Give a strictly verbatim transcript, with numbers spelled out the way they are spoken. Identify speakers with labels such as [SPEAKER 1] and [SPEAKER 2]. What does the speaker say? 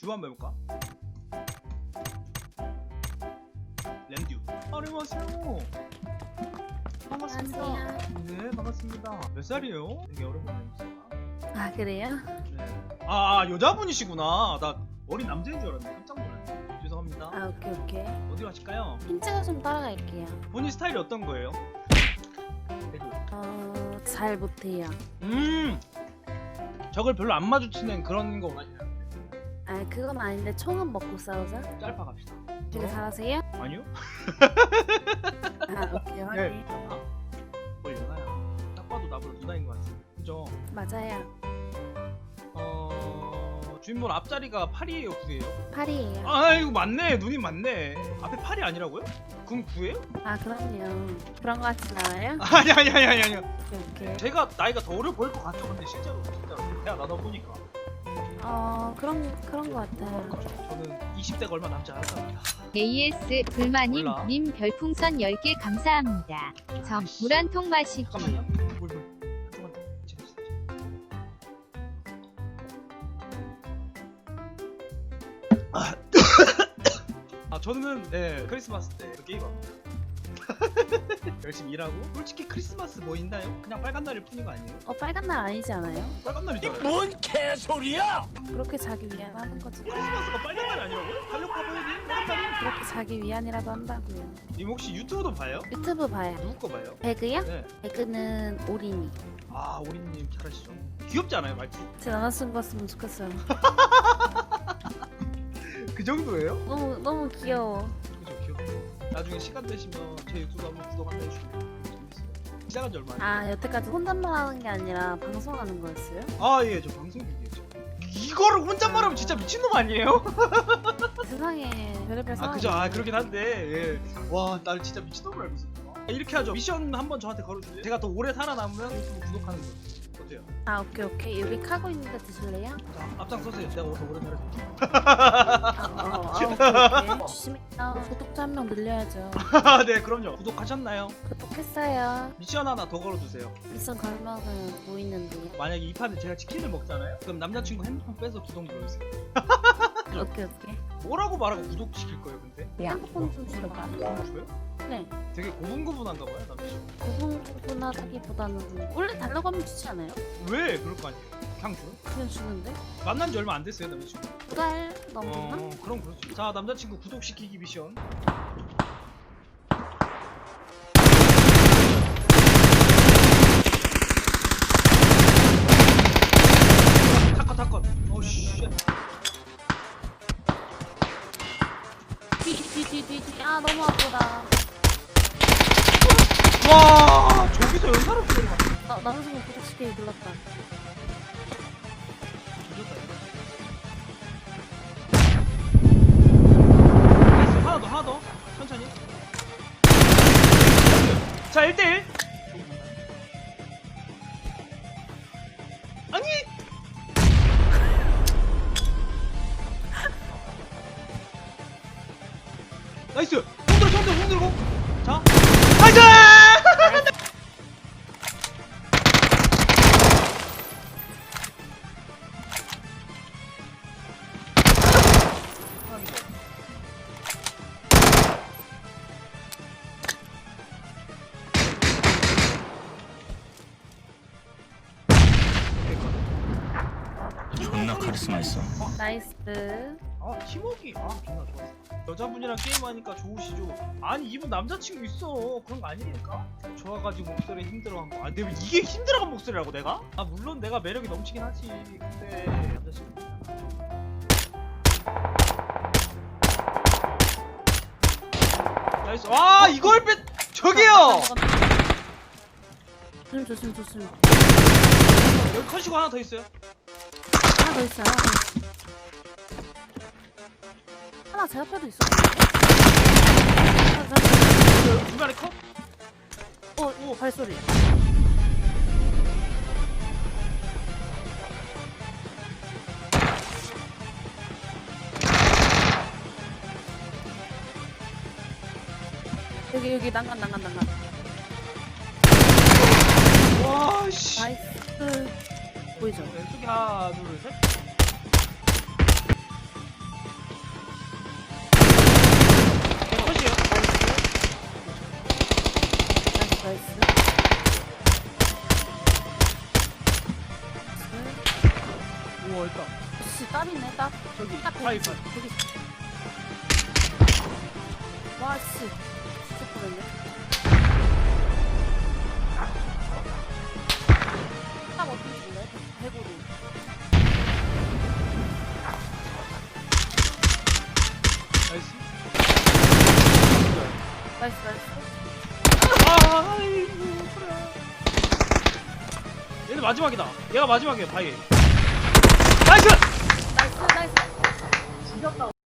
[SPEAKER 1] 듀오 한번 해볼까? 램듀. 안녕하세요. 반갑습니다.
[SPEAKER 2] 안녕하세요.
[SPEAKER 1] 네, 반갑습니다. 몇 살이에요? 되게 오랜만에 뵙습니다.
[SPEAKER 2] 아 그래요?
[SPEAKER 1] 네. 아, 여자분이시구나. 나 어린 남자인 줄 알았네. 깜짝 놀랐네. 죄송합니다.
[SPEAKER 2] 아 오케이 오케이.
[SPEAKER 1] 어디 가실까요?
[SPEAKER 2] 힌트가 좀 따라갈게요.
[SPEAKER 1] 본인 스타일이 어떤 거예요? 배그.
[SPEAKER 2] 어... 잘 못해요.
[SPEAKER 1] 음. 적을 별로 안 마주치는 그런 거 아니에요?
[SPEAKER 2] 아 그건 아닌데 총은 먹고 싸우자.
[SPEAKER 1] 짧아 갑시다.
[SPEAKER 2] 되게 잘하세요?
[SPEAKER 1] 아니요?
[SPEAKER 2] 아 오케이 확인.
[SPEAKER 1] 네. 뭘 연하야? 딱 봐도 나보다 누나인 것 같아. 그죠?
[SPEAKER 2] 맞아요.
[SPEAKER 1] 어... 주인분 앞자리가 팔이에요, 구예요?
[SPEAKER 2] 팔이에요.
[SPEAKER 1] 아, 이거 맞네. 눈이 맞네. 앞에 팔이 아니라고요? 그럼 구예요?
[SPEAKER 2] 아 그럼요. 그런 거 같진 않아요?
[SPEAKER 1] 아니 아니 아니 아니 아니.
[SPEAKER 2] 오케이 오케이.
[SPEAKER 1] 제가 나이가 더 어려 보일 것 같죠, 근데 실제로 진짜로 대화 나눠 보니까.
[SPEAKER 2] 어 그런 그런 거 같아요.
[SPEAKER 1] 저는 이십 대가 얼마 남지 않았답니다.
[SPEAKER 3] 에이에스 불마님
[SPEAKER 1] 몰라.
[SPEAKER 3] 님 별풍선 열 개 감사합니다. 점 물 한 통 마시기.
[SPEAKER 1] 잠깐만요. 물 물. 잠깐만. 제가 진짜. 아, 아 저는 네 크리스마스 때 게임합니다. 열심히 일하고 솔직히 크리스마스 뭐 있나요? 그냥 빨간 날일 뿐인 거 아니에요?
[SPEAKER 2] 어 빨간 날 아니지 않아요?
[SPEAKER 1] 빨간 날이잖아요.
[SPEAKER 4] 뭔 개소리야!
[SPEAKER 2] 그렇게 자기 위안 하는 거지.
[SPEAKER 1] 크리스마스가 빨간 날이 아니라고요? 달력 봐봐야지. 빨간 날이.
[SPEAKER 2] 그렇게 자기 위안이라도 한다고요.
[SPEAKER 1] 님 혹시 유튜브도 봐요?
[SPEAKER 2] 유튜브 봐요.
[SPEAKER 1] 누구 거 봐요?
[SPEAKER 2] 배그요?
[SPEAKER 1] 네.
[SPEAKER 2] 배그는 오리니.
[SPEAKER 1] 아 오리님 잘하시죠. 귀엽지 않아요 말투?
[SPEAKER 2] 제 남자친구 같으면 좋겠어요.
[SPEAKER 1] 그 정도예요?
[SPEAKER 2] 너무 너무 귀여워.
[SPEAKER 1] 그죠 귀엽죠. 나중에 시간 되시면 제 유튜브 한번 구독 한번 해주시면 재밌어요. 시작한 지 얼마 안
[SPEAKER 2] 아 여태까지 혼잣말 하는 게 아니라 방송하는 거였어요?
[SPEAKER 1] 아예 저 방송 중이에요. 이거를 혼잣말하면 진짜 미친놈 아니에요?
[SPEAKER 2] 세상에 별의별
[SPEAKER 1] 아
[SPEAKER 2] 상황이
[SPEAKER 1] 그죠. 아
[SPEAKER 2] 있네.
[SPEAKER 1] 그러긴 한데 예. 와날 진짜 미친놈을 알고 있었다. 이렇게 하죠. 미션 한번 저한테 걸어주세요. 제가 더 오래 살아남으면 유튜브 구독하는 거 어때요?
[SPEAKER 2] 아 오케이 오케이 여기 카고 있는데 드실래요?
[SPEAKER 1] 자 앞장서세요. 내가 더 오래 살아줄게.
[SPEAKER 2] 아, 어, 아 오케이 오케이 조심해요. 구독자 한 명 늘려야죠.
[SPEAKER 1] 네 그럼요. 구독하셨나요?
[SPEAKER 2] 구독했어요.
[SPEAKER 1] 미션 하나 더 걸어주세요.
[SPEAKER 2] 미션 걸면은 뭐 있는데요?
[SPEAKER 1] 만약에 이 판에 제가 치킨을 먹잖아요? 그럼 남자친구 핸드폰 빼서 구독 눌러주세요.
[SPEAKER 2] 오케이 오케이.
[SPEAKER 1] 뭐라고 말하고 구독시킬 거예요 근데?
[SPEAKER 2] 핸드폰 좀 줄여봐.
[SPEAKER 1] 줘요?
[SPEAKER 2] 네.
[SPEAKER 1] 되게 고분고분한가 봐요 남자친구.
[SPEAKER 2] 고분고분하다기보다는 원래 달라고 하면 주지 않아요?
[SPEAKER 1] 왜 그럴 거 아니에요? 그냥 줘요?
[SPEAKER 2] 그냥 주는데?
[SPEAKER 1] 만난 지 얼마 안 됐어요 남자친구.
[SPEAKER 2] 두 달 넘었나?
[SPEAKER 1] 어 그럼 그렇지. 자 남자친구 구독시키기 미션. 타컷 타컷. 오씨.
[SPEAKER 2] 뒤뒤뒤뒤뒤 아 너무 아프다.
[SPEAKER 1] 와 저기서 연사로 소리가.
[SPEAKER 2] 나 남자친구 구독시키기 눌렀다.
[SPEAKER 1] 하나 더 하나 더 천천히. 자 일 대 일. 아니. 나이스. 손 들어 손 들어 손 들고. 자. 나이스.
[SPEAKER 4] 존나 카리스마 있어.
[SPEAKER 2] 나이스.
[SPEAKER 1] 아 팀워크 아 존나 좋았어. 여자분이랑 게임하니까 좋으시죠? 아니 이분 남자친구 있어. 그런 거 아니니까. 좋아가지고 목소리 힘들어한 거. 아 내가 이게 힘들어한 목소리라고 내가? 아 물론 내가 매력이 넘치긴 하지. 근데 남자친구. 나이스. 와 이걸 뺐. 저기요.
[SPEAKER 2] 조심 조심 조심.
[SPEAKER 1] 여기 컷이고 하나 더 있어요.
[SPEAKER 2] 하나 더 있어요. 하나 더 있어. 하나 제 옆에도 있어. 하나 제 옆에.
[SPEAKER 1] 여기 중간에 컷.
[SPEAKER 2] 어, 오 발소리. 여기 여기 난간 난간 난간.
[SPEAKER 1] 와 씨.
[SPEAKER 2] 나이스. 보이죠?
[SPEAKER 1] 왼쪽에 하나 둘 셋. 어 있다.
[SPEAKER 2] 씨 딸이네 딸.
[SPEAKER 1] 저기
[SPEAKER 2] 딱
[SPEAKER 1] 파이
[SPEAKER 2] 되겠지.
[SPEAKER 1] 파이.
[SPEAKER 2] 되겠지. 와 씨. 진짜 뻔했네. 딱 어떻게 줄래? 대고로.
[SPEAKER 1] 나이스.
[SPEAKER 2] 나이스 나이스.
[SPEAKER 1] 아이고 그래. 얘는 마지막이다. 얘가 마지막이야 바이. 나이스.
[SPEAKER 2] 나이스 나이스. 죽였다.